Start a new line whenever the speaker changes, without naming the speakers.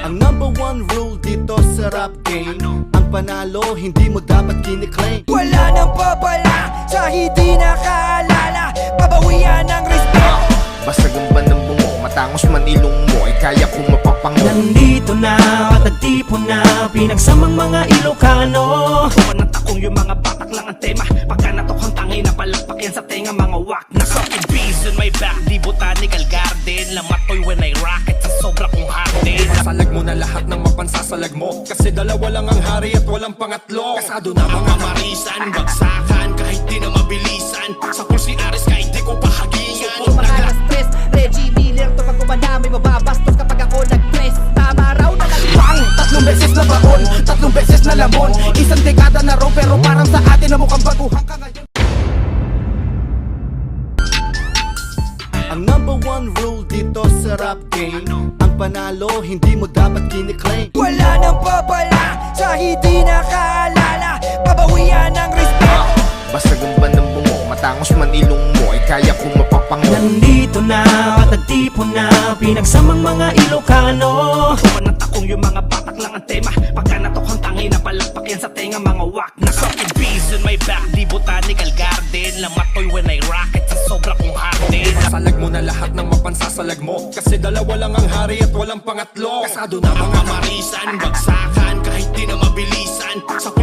Ang number one rule dito sa rap game, ang panalo hindi mo dapat kiniklaim.
Wala nang babala sa hindi nakaalala, pabawian ng respect.
Basta gamba ng bungo, matangos man ilong mo, ay kaya kong mapapango.
Nandito na, matagtipon na, pinagsamang mga Ilocano.
Kumanat akong yung mga batak lang ang tema. Pagka natokhang tangay na palakpak yan sa tenga, mga wak na fucking bees on my back. Di botanical garden, lamatoy when I rocket sa sobra kong harden.
Salag mo na lahat ng mapansasalag mo, kasi dalawa lang ang hari at walang pangatlo. Kasado na
Mga marisan, bagsakan, kahit di na mabilisan. Sa pulsi aris kahit di ko pahagingan.
Stress, Reggie Miller to pag kumana may mababastos kapag ako nag-press. Tama raw na
Bang! Tatlong beses na baon, tatlong beses na lamon. Isang dekada na raw pero parang sa atin na mukhang baguhan ka ngayon.
Ang number one rule dito sa rap game, ang panalo hindi mo dapat kiniklaim.
wala nang babala sa hindi nakaalala, pabawian ng respect.
Basta gamba ng bungo, matangos man ilong mo, ay kaya kong mapapango.
Nandito na, matagtipon na, pinagsamang mga Ilocano.
Kumanat akong yung mga batak lang ang tema. Pagka natokhang tangay na palakpak yan sa tenga, mga wak na fucking bees on my back. Di botanical garden, lamatoy when I rocket sa sobra kong harden.
Salag mo na lahat ng mapansasalag mo, kasi dalawa lang ang hari at walang pangatlo.
Kasado na mga marisan, bagsakan, kahit di na mabilisan. Sa